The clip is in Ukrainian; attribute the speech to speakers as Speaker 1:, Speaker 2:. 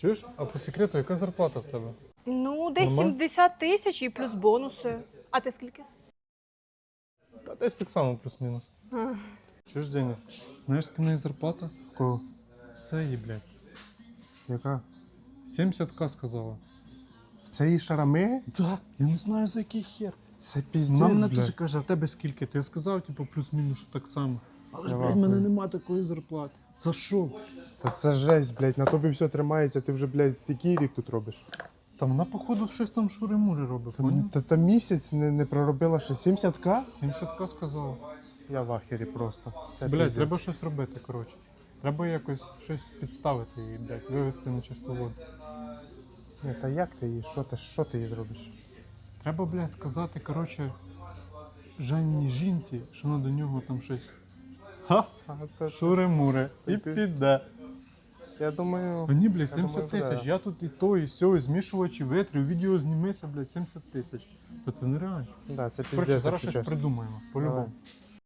Speaker 1: Чуєш? А по секрету, яка зарплата в тебе?
Speaker 2: Ну, десь
Speaker 1: Нормально?
Speaker 2: 70 тисяч і плюс бонуси. А ти скільки?
Speaker 1: Та десь так само плюс-мінус. Чуєш, Деня? Знаєш, скільки в неї зарплата?
Speaker 3: В кого?
Speaker 1: Це її, блядь.
Speaker 3: Яка?
Speaker 1: 70к сказала.
Speaker 3: В цієї шарами?
Speaker 1: Да, я не знаю за який хер.
Speaker 3: Це піздець,
Speaker 1: Вона мене
Speaker 3: блядь.
Speaker 1: теж каже, а в тебе скільки? Ти сказав, типу, плюс-мінус, що так само. Але ж,
Speaker 3: Я
Speaker 1: блядь, в мене
Speaker 3: вахую.
Speaker 1: нема такої зарплати. За що?
Speaker 3: Та це жесть, блядь, на тобі все тримається, ти вже, блядь, який рік тут робиш?
Speaker 1: Та вона, походу, щось там шури-мури робить, поняв?
Speaker 3: Та місяць не проробила ще 70к?
Speaker 1: 70к сказала.
Speaker 3: Я в ахері просто. Це
Speaker 1: Блядь,
Speaker 3: піздець.
Speaker 1: треба щось робити, коротше. Треба якось щось підставити її, блядь, вивести на чисту воду.
Speaker 3: Ні, та як ти її? Що ти їй зробиш?
Speaker 1: Треба, блядь, сказати, коротше, Жанні жінці, що вона до нього там щось. Ха! Шури-мури. І піде.
Speaker 3: Я думаю...
Speaker 1: Мені, блядь,
Speaker 3: Я думаю,
Speaker 1: 70 тисяч.
Speaker 3: да.
Speaker 1: Я тут і то, і сьо, і змішувачі витрів, відео знімися, блядь, 70 тисяч. Та це нереально.
Speaker 3: Да, це
Speaker 1: Коротше,
Speaker 3: піздець,
Speaker 1: зараз
Speaker 3: якщо
Speaker 1: щось
Speaker 3: чесно.
Speaker 1: придумаємо. По-любому.
Speaker 3: Давай.